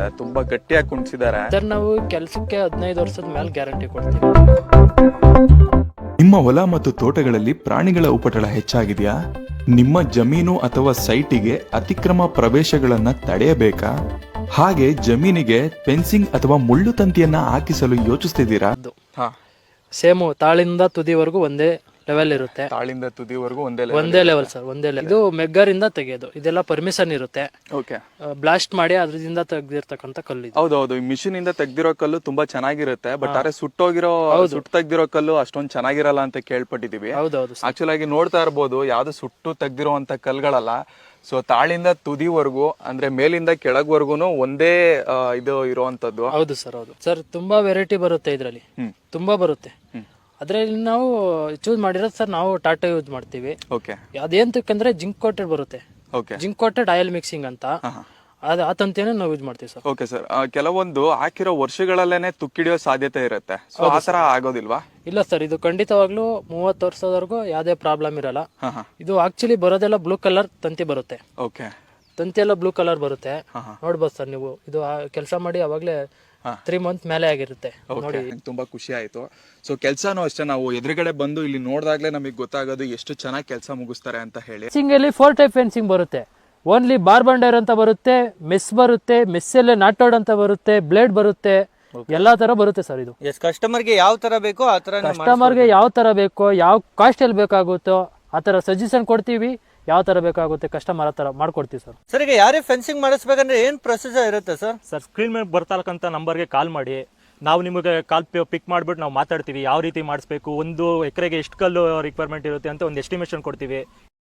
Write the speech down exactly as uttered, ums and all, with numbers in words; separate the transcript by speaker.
Speaker 1: ತುಂಬಾ ಗಟ್ಟಿಯಾಗಿ ಕುಣಿಸಿದ್ದಾರೆ.
Speaker 2: ಸರ್ ನಾವು ಕೆಲಸಕ್ಕೆ ಹದಿನೈದು ವರ್ಷದ ಮೇಲೆ ಗ್ಯಾರಂಟಿ ಕೊಡ್ತೀವಿ.
Speaker 3: ನಿಮ್ಮ ಹೊಲ ಮತ್ತು ತೋಟಗಳಲ್ಲಿ ಪ್ರಾಣಿಗಳ ಉಪಟಳ ಹೆಚ್ಚಾಗಿದೆಯಾ? ನಿಮ್ಮ ಜಮೀನು ಅಥವಾ ಸೈಟಿಗೆ ಅತಿಕ್ರಮ ಪ್ರವೇಶಗಳನ್ನ ತಡೆಯಬೇಕಾ? ಹಾಗೆ ಜಮೀನಿಗೆ ಫೆನ್ಸಿಂಗ್ ಅಥವಾ ಮುಳ್ಳು ತಂತಿಯನ್ನ ಹಾಕಿಸಲು ಯೋಚಿಸ್ತಿದ್ದೀರಾ?
Speaker 1: ಹಾ,
Speaker 2: ಸೇಮು ತಾಳಿಂದ ತುದಿವರೆಗೂ ಒಂದೇ ಲೆವೆಲ್ ಇರುತ್ತೆ.
Speaker 1: ತಾಳಿಂದ ತುದಿವರೆಗೂ ಒಂದೇ
Speaker 2: ಒಂದೇ ಲೆವೆಲ್ ಸರ್, ಒಂದೇ ಲೆವೆಲ್. ಇದು ಮೆಗ್ಗರಿಂದ ತೆಗೆಯೋದು, ಇದೆಲ್ಲ ಪರ್ಮಿಷನ್ ಇರುತ್ತೆ.
Speaker 1: ಓಕೆ,
Speaker 2: ಬ್ಲಾಸ್ಟ್ ಮಾಡಿ ಅದ್ರಿಂದ ತೆಗ್ದಿರ್ತಕ್ಕಂಥ ಕಲ್ಲು ಇದು.
Speaker 1: ಹೌದೌದು. ಈ ಮಿಷಿನ್ ಇಂದ ತೆಗ್ದಿರೋ ಕಲ್ಲು ತುಂಬಾ ಚೆನ್ನಾಗಿರುತ್ತೆ. ಬಟ್ ಆದ್ರೆ ಸುಟ್ಟೋಗಿರೋ ಸುಟ್ಟು ತೆಗ್ದಿರೋ ಕಲ್ಲು ಅಷ್ಟೊಂದ್ ಚೆನ್ನಾಗಿರಲ್ಲ ಅಂತ ಕೇಳ್ಪಟ್ಟಿದೀವಿ.
Speaker 2: ಹೌದೌದು.
Speaker 1: ಆಕ್ಚುಲ್ ಆಗಿ ನೋಡ್ತಾ ಇರ್ಬೋದು, ಯಾವ್ದು ಸುಟ್ಟು ತೆಗ್ದಿರೋಂತ ಕಲ್ಗಳಲ್ಲ. ಸೊ ತಾಳಿಂದ ತುದಿವರೆಗೂ ಅಂದ್ರೆ ಮೇಲಿಂದ ಕೆಳಗ್ವರ್ಗುನು ಒಂದೇ ಇದು ಇರುವಂತದ್ದು.
Speaker 2: ಹೌದು ಸರ್, ಹೌದು ಸರ್. ತುಂಬಾ ವೆರೈಟಿ ಬರುತ್ತೆ ಇದ್ರಲ್ಲಿ, ತುಂಬಾ ಬರುತ್ತೆ. ಅದ್ರಲ್ಲಿ ನಾವು ಚೂಸ್ ಮಾಡಿರೋದು ಸರ್, ನಾವು ಟಾಟಾ ಯೂಸ್ ಮಾಡ್ತೀವಿ.
Speaker 1: ಓಕೆ,
Speaker 2: ಅದೇಂತಕ್ಕಂದ್ರೆ ಜಿಂಕ್ ಕೋಟೆಡ್ ಬರುತ್ತೆ.
Speaker 1: Okay,
Speaker 2: zinc coated oil mixing ಅಂತ, ಅದ್ ಆ ತಂತಿಯನ್ನು ನಾವು ಯೂಸ್ ಮಾಡ್ತೀವಿ ಸರ್.
Speaker 1: Okay sir. ಕೆಲವೊಂದು ಹಾಕಿರೋ ವರ್ಷಗಳಲ್ಲೇನೆ ತುಕ್ಕಿಡಿಯೋ ಸಾಧ್ಯತೆ ಇರುತ್ತೆ. ಸೊ ಆತರ ಆಗೋದಿಲ್ವಾ?
Speaker 2: ಇಲ್ಲ ಸರ್, ಇದು ಖಂಡಿತವಾಗ್ಲೂ ಮೂವತ್ತು ವರ್ಷದವರೆಗೂ ಯಾವ್ದೇ ಪ್ರಾಬ್ಲಮ್ ಇರಲ್ಲ. ಇದು ಆಕ್ಚುಲಿ ಬರೋದೆಲ್ಲ ಬ್ಲೂ ಕಲರ್ ತಂತಿ ಬರುತ್ತೆ.
Speaker 1: ಓಕೆ,
Speaker 2: ತಂತಿ ಎಲ್ಲ ಬ್ಲೂ ಕಲರ್ ಬರುತ್ತೆ. ನೋಡ್ಬೋದು ಸರ್ ನೀವು, ಇದು ಕೆಲಸ ಮಾಡಿ ಅವಾಗ್ಲೇ ತ್ರೀ ಮಂತ್ ಮೇಲೆ ಆಗಿರುತ್ತೆ ನೋಡಿ.
Speaker 1: ತುಂಬಾ ಖುಷಿ ಆಯ್ತು. ಸೊ ಕೆಲ್ಸಾನು ಅಷ್ಟೇ, ನಾವು ಎದುರುಗಡೆ ಬಂದು ಇಲ್ಲಿ ನೋಡಿದಾಗ್ಲೇ ನಮಗೆ ಗೊತ್ತಾಗೋದು ಎಷ್ಟು ಚೆನ್ನಾಗಿ ಕೆಲಸ ಮುಗಿಸ್ತಾರೆ ಅಂತ ಹೇಳಿ.
Speaker 2: ಫೆನ್ಸಿಂಗ್ ಅಲ್ಲಿ ಫೋರ್ ಟೈಪ್ ಫೆನ್ಸಿಂಗ್ ಬರುತ್ತೆ. ಓನ್ಲಿ ಬಾರ್ ಬಂಡರ್ ಅಂತ ಬರುತ್ತೆ, ಮೆಸ್ ಬರುತ್ತೆ, ಮೆಸ್ಸಲ್ಲೇ ನಾಟೋಡ್ ಅಂತ ಬರುತ್ತೆ, ಬ್ಲೇಡ್ ಬರುತ್ತೆ, ಎಲ್ಲಾ ತರ ಬರುತ್ತೆ ಸರ್. ಇದು
Speaker 4: ಕಸ್ಟಮರ್ಗೆ ಯಾವ ತರ ಬೇಕೋ ಆ ತರ,
Speaker 2: ಕಸ್ಟಮರ್ಗೆ ಯಾವ ತರ ಬೇಕೋ, ಯಾವ ಕಾಸ್ಟ್ ಅಲ್ಲಿ ಬೇಕಾಗುತ್ತೋ ಆ ತರ ಸಜೆಷನ್ ಕೊಡ್ತೀವಿ. ಯಾವ ತರ ಬೇಕಾಗುತ್ತೆ ಕಸ್ಟಮರ್ ಆ ತರ ಮಾಡ್ಕೊಡ್ತೀವಿ ಸರ್.
Speaker 4: ಸರ್, ಈಗ ಯಾರೇ ಫೆನ್ಸಿಂಗ್ ಮಾಡಿಸ್ಬೇಕಂದ್ರೆ ಏನ್ ಪ್ರೊಸೀಜರ್ ಇರುತ್ತೆ ಸರ್?
Speaker 5: ಸರ್, ಸ್ಕ್ರೀನ್ ಮೇಲೆ ಬರ್ತಕ್ಕಂಥ ನಂಬರ್ಗೆ ಕಾಲ್ ಮಾಡಿ, ನಾವು ನಿಮಗೆ ಕಾಲ್ ಪಿಕ್ ಮಾಡಿಬಿಟ್ಟು ನಾವು ಮಾತಾಡ್ತೀವಿ ಯಾವ ರೀತಿ ಮಾಡಿಸ್ಬೇಕು, ಒಂದು ಎಕರೆಗೆ ಎಷ್ಟು ಕಲ್ಲು ರಿಕ್ವೈರ್ಮೆಂಟ್ ಇರುತ್ತೆ ಅಂತ ಒಂದು ಎಸ್ಟಿಮೇಷನ್ ಕೊಡ್ತೀವಿ.